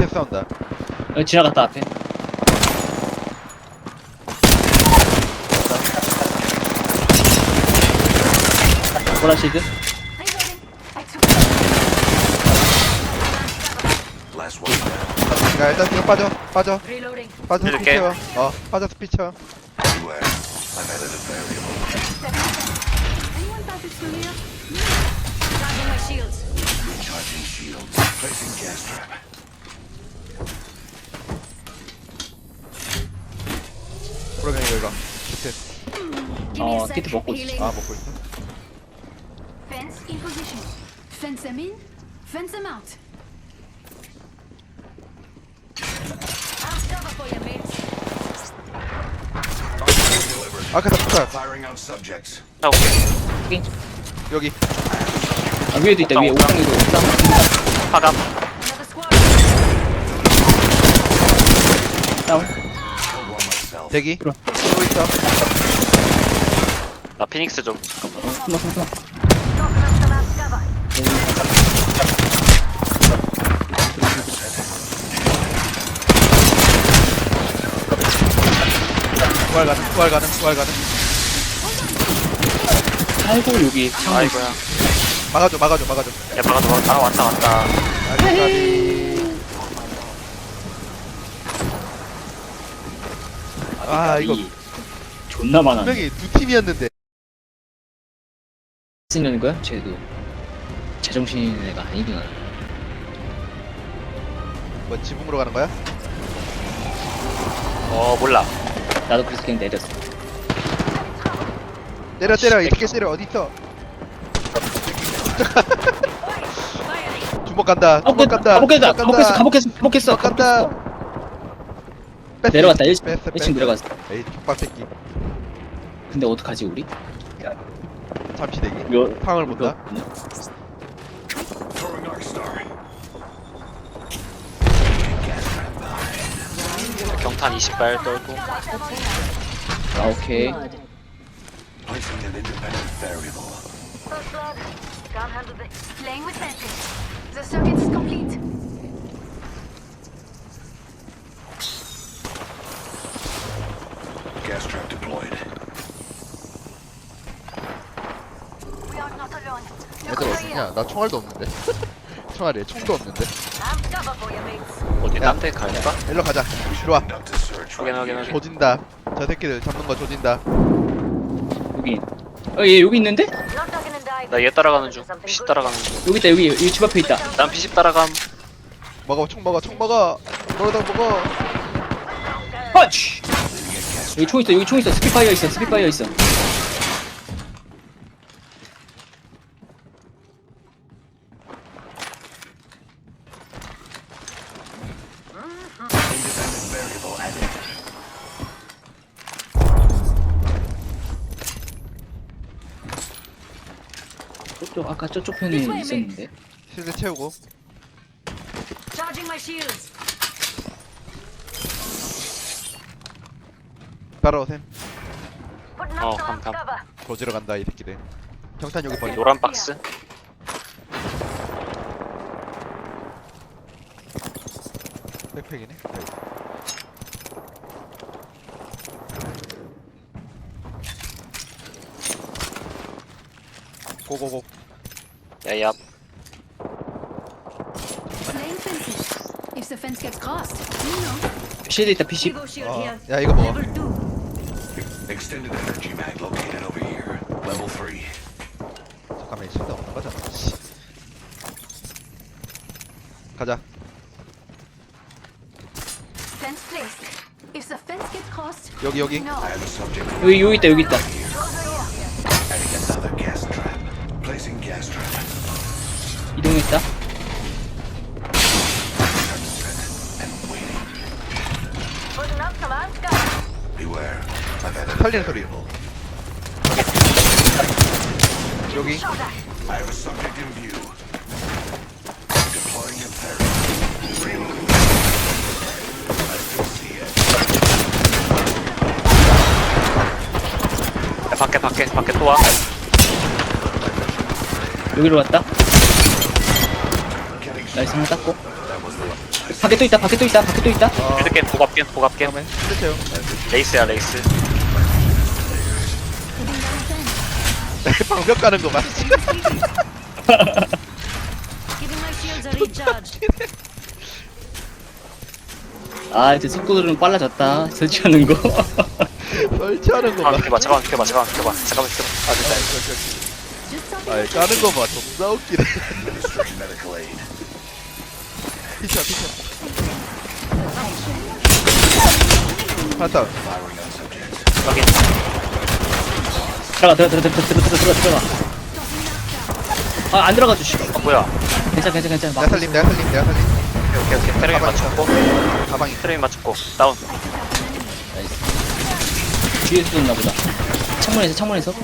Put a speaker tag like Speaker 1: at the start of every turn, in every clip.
Speaker 1: 밑에 싸운다.
Speaker 2: 지나갔다 앞에. 보라실드.
Speaker 3: Last one down.
Speaker 1: 야 일단 뒤로 빠져. 빠져
Speaker 4: 이렇게.
Speaker 1: 스피 채워. 빠져 스피 채워.
Speaker 3: Beware. I've added a variable.
Speaker 5: Anyone passage through here? Charging my shields.
Speaker 3: Recharging shields. Placing gas trap.
Speaker 1: 그러면 이거 밑에.
Speaker 5: Give me a sec.
Speaker 2: 키트 먹고 있어.
Speaker 5: Healing.
Speaker 1: 먹고 있어.
Speaker 5: Fence in position. Fence them in. Fence them out. I'll cover for you, mates.
Speaker 1: 아까다 폭탄.
Speaker 3: Firing on subjects.
Speaker 4: 나 오케이.
Speaker 1: 여기.
Speaker 2: 아, 위에도 있다. 위에 옥상에도 옥상.
Speaker 4: 파감.
Speaker 5: Another squad.
Speaker 2: 다운.
Speaker 3: Killed one myself.
Speaker 1: 대기.
Speaker 2: 들어.
Speaker 1: 또 있어.
Speaker 4: 나 피닉스 좀.
Speaker 2: 숨어.
Speaker 1: 부활 가능.
Speaker 2: 아이고 여기 창문.
Speaker 4: 아이고야.
Speaker 1: 막아줘.
Speaker 4: 야, 막아줘. 왔다.
Speaker 1: 이거
Speaker 2: 존나 많아.
Speaker 1: 분명히 두 팀이었는데.
Speaker 2: 쓰는 거야? 쟤도 제정신인 애가 아니구나.
Speaker 1: 뭐 지붕으로 가는 거야?
Speaker 4: 몰라.
Speaker 2: 나도 그래서 그냥 내렸어.
Speaker 1: 때려. 이렇게 때려. 어디 있어? 주먹 간다.
Speaker 2: 가복했어.
Speaker 1: 간다.
Speaker 2: 내려갔다. 1층
Speaker 1: 뺐어.
Speaker 2: 내려갔어.
Speaker 1: 에이 족밥 새끼.
Speaker 2: 근데 어떡하지 우리?
Speaker 1: 잠시 대기.
Speaker 2: 요
Speaker 1: 상황을 본다.
Speaker 3: Throwing Arc Star.
Speaker 4: 경탄 20발 떨고.
Speaker 2: 아 오케이.
Speaker 3: Placing an independent variable.
Speaker 5: First blood. Can't handle this. Playing with fences. The circuit is complete.
Speaker 3: Gas trap deployed.
Speaker 5: We are not alone. Look
Speaker 1: 애들
Speaker 5: over
Speaker 1: 어딨냐?
Speaker 5: here.
Speaker 1: 나 총알도 없는데. 총알에 총도 없는데.
Speaker 5: I'm cover for you, mates.
Speaker 4: 어디
Speaker 1: 야.
Speaker 4: 딴데 갈까?
Speaker 1: 일로 가자. 들어와.
Speaker 3: Conduct a search.
Speaker 4: 확인.
Speaker 1: 조진다. 저 새끼들 잡는 거 조진다.
Speaker 2: 여기. 얘 여기 있는데?
Speaker 5: Not talking and dive.
Speaker 4: 나 얘 따라가는 중. PC 따라가는 중.
Speaker 2: 여기 있다. 여기 집 앞에 있다.
Speaker 4: 난 PC 따라감.
Speaker 1: 총 먹어. 너도 먹어.
Speaker 2: 펀치. 여기 총 있어. 스피파이어 있어.
Speaker 3: Independent variable added.
Speaker 2: 아까 저쪽 편에 있었는데.
Speaker 1: 실드 채우고.
Speaker 5: Charging my shields.
Speaker 1: 따라오셈.
Speaker 5: Putting up some
Speaker 4: 감탄.
Speaker 5: cover.
Speaker 1: 조지러 간다 이 새끼들. 경탄 여기 버리.
Speaker 4: 노란 박스.
Speaker 1: 백팩이네. 고고고.
Speaker 4: 야야.
Speaker 5: Playing fences. If the fence gets crossed, you know.
Speaker 2: 실드 있다. PC.
Speaker 5: Evo shield here.
Speaker 1: 야 이거 먹어.
Speaker 5: Level 2.
Speaker 3: Extended energy mag located over here. Level 3.
Speaker 1: 잠깐만 실드 없는 거잖아. 씨. 가자.
Speaker 5: Fence placed. If the fence gets crossed,
Speaker 1: 여기.
Speaker 5: no.
Speaker 3: I have a subject.
Speaker 2: 여기 있다.
Speaker 3: Adding another gas trap. Placing gas trap.
Speaker 2: 이동했다.
Speaker 3: And waiting.
Speaker 5: Putting up some outskirts.
Speaker 3: Beware. I've added a
Speaker 1: 살리는 소리.
Speaker 3: variable.
Speaker 1: 여기.
Speaker 5: Shot at.
Speaker 3: I have a subject in view. Deploying a variable. Reloading. I still see it.
Speaker 4: 야, 밖에 또 와.
Speaker 2: 여기로 왔다.
Speaker 3: Getting
Speaker 2: 나이스 하나 땄고.
Speaker 3: That was the
Speaker 2: 밖에 또 있다, 밖에 또 있다, 밖에 또 있다.
Speaker 4: 필드캔 보갑캔 보갑캔
Speaker 1: 다음에 실드 채용.
Speaker 4: 레이스야 레이스.
Speaker 1: 방벽 가는 거 봐.
Speaker 5: Giving my shields a recharge.
Speaker 2: 아, 이제 속도들은 빨라졌다. 설치하는 거.
Speaker 1: 설치하는 거 봐.
Speaker 4: 잠깐만 켜봐. 아 됐다.
Speaker 5: Just something.
Speaker 1: 아, 까는 거 봐. 존나 웃기네.
Speaker 3: Administering medical aid.
Speaker 1: 피쳐. 하나 다운.
Speaker 3: Firing on subject.
Speaker 4: 확인.
Speaker 2: 들어가. 아, 안 들어가죠, 씨.
Speaker 4: 뭐야?
Speaker 2: 괜찮아.
Speaker 1: 내가 살림.
Speaker 4: 오케이 트레인 맞췄고
Speaker 1: 가방이.
Speaker 4: 트레인 맞췄고 다운.
Speaker 2: 나이스. 뒤에서 쏜나 보다. 창문에서.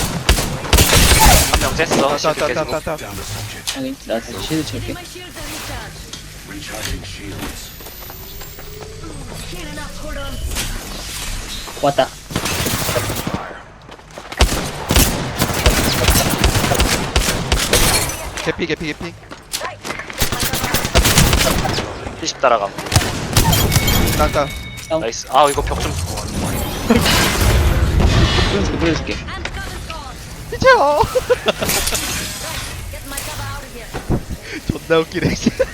Speaker 4: 한 명 쟀어. 실드 깨지고.
Speaker 1: 따.
Speaker 3: Down the subject.
Speaker 2: 확인. 나 실드
Speaker 5: Giving
Speaker 2: 칠게.
Speaker 5: my shields a recharge.
Speaker 3: Recharging shields.
Speaker 5: Healing up. Hold on.
Speaker 2: 왔다.
Speaker 3: Fire.
Speaker 1: 개피.
Speaker 4: P10 따라감.
Speaker 1: 따.
Speaker 4: 나이스. 아 이거 벽 좀.
Speaker 2: 보여줄게.
Speaker 5: And cover's gone.
Speaker 1: 피쳐.
Speaker 5: Get my cover out of here.
Speaker 1: 존나 웃기네.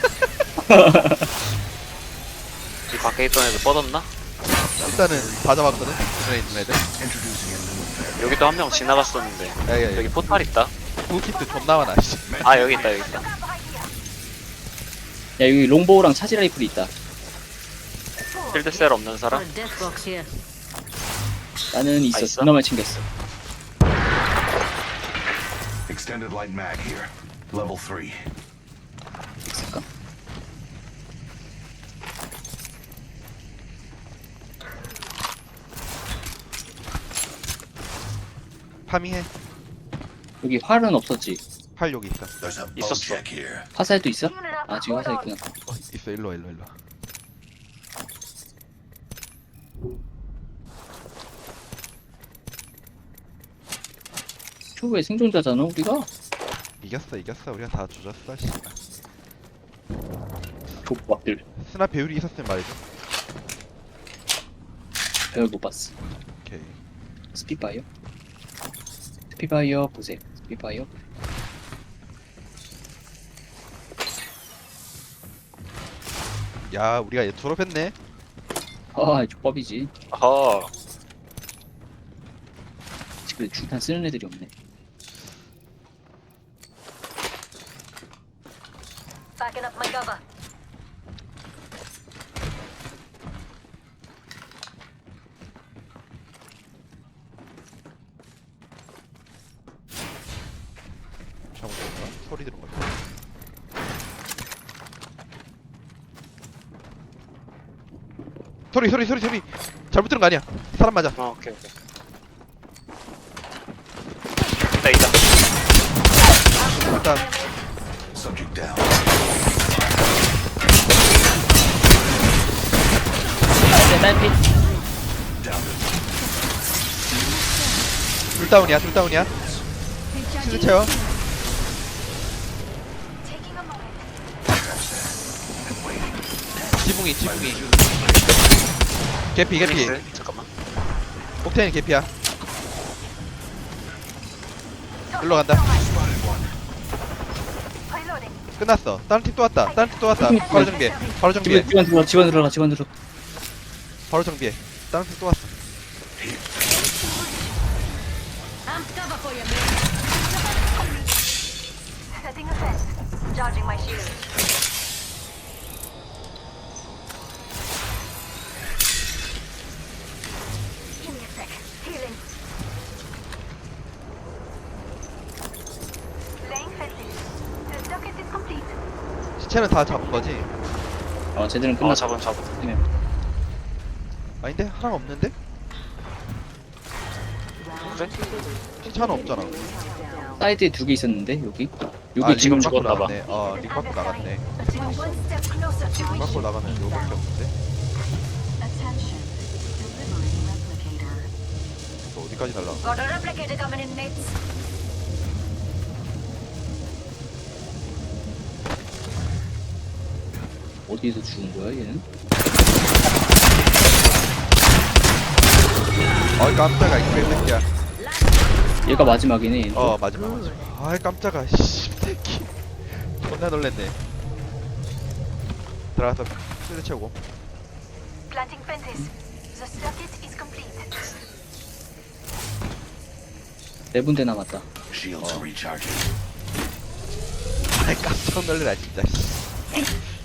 Speaker 4: 이 밖에 있던 애들 뻗었나?
Speaker 1: 일단은 다 잡았거든. 눈에 있는 애들.
Speaker 3: Introducing a new threat.
Speaker 4: 여기도 한 명 지나갔었는데.
Speaker 1: 야.
Speaker 4: 여기 포탈 있다.
Speaker 1: 구키트 존나 많아. 씨.
Speaker 4: 아 여기 있다.
Speaker 2: 야, 여기 롱보우랑 차지 라이플이 있다.
Speaker 4: 필드셀 없는 사람?
Speaker 5: Got a death box here.
Speaker 2: 나는 있어.
Speaker 4: 있어?
Speaker 2: 존나만 챙겼어.
Speaker 3: Extended light mag here. Level 3.
Speaker 2: 있을까?
Speaker 1: 파밍해.
Speaker 2: 여기 활은 없었지.
Speaker 1: 활 여기 있어.
Speaker 3: There's a boat
Speaker 4: 있었어.
Speaker 3: check here.
Speaker 2: 화살도 있어? 아, 지금 화살 있구나.
Speaker 1: 있어. 일로 와.
Speaker 2: 초보의 생존자잖아, 우리가.
Speaker 1: 이겼어. 우리가 다 조졌어. 씨.
Speaker 2: 족밥들.
Speaker 1: 스나 배율이 있었으면 말이죠.
Speaker 2: 배열 못 봤어.
Speaker 1: 오케이.
Speaker 2: 스피파이어 보세요. 스피파이어.
Speaker 1: 야, 우리가 얘 졸업했네.
Speaker 2: 아, 족밥이지.
Speaker 4: 어허.
Speaker 2: 지금 중탄 쓰는 애들이 없네.
Speaker 5: Backing up my cover.
Speaker 1: 잘못했나? 소리 들은 거 같아. 소리. 잘못 들은 거 아니야. 사람 맞아.
Speaker 4: 오케이. 있다.
Speaker 1: 일단
Speaker 3: Subject down.
Speaker 2: 딸피.
Speaker 3: Down to
Speaker 1: 둘 다운이야. 실드 채워.
Speaker 5: Taking a moment.
Speaker 1: 지붕이. 개피.
Speaker 4: 레이스. 잠깐만.
Speaker 1: 옥테인 개피야. 일로 간다.
Speaker 5: Reloading.
Speaker 1: 끝났어. 다른 팀 또 왔다. 바로 정비해.
Speaker 2: 집안 들어가.
Speaker 1: 바로 정비해. 다른 팀 또 왔어.
Speaker 5: Amped cover for you, man. Setting a fence. Charging my shield. Give me a sec. Healing. Laying fences. The circuit is complete.
Speaker 1: 시체는 다 잡은 거지?
Speaker 2: 쟤들은 끝났어.
Speaker 4: 잡음.
Speaker 1: 아닌데? 하나가 없는데?
Speaker 4: 그래?
Speaker 1: 시체 하나 없잖아.
Speaker 2: 사이드에 2개 있었는데, 여기.
Speaker 1: 아,
Speaker 4: 지금
Speaker 1: 링 밖으로
Speaker 4: 죽었나봐.
Speaker 1: 나갔네. 링 밖으로 나갔네.
Speaker 5: One step closer to
Speaker 1: 링 밖으로 나가면 요거밖에 없는데?
Speaker 5: attention. Delivering replicator.
Speaker 1: 또 어디까지 날라?
Speaker 5: Got a replicator coming in, mates.
Speaker 2: 어디에서 죽은 거야 얘는?
Speaker 1: 어이 깜짝아 이 개새끼야.
Speaker 2: 얘가 마지막이네 얘는.
Speaker 1: 마지막. 아이 깜짝아 씨 새끼. 존나 놀랬네. 들어가서 실드 채우고.
Speaker 5: Planting fences. The circuit is complete.
Speaker 2: 네 군데 남았다.
Speaker 3: Shields recharging.
Speaker 1: 아이 깜짝 놀래라 진짜. 씨.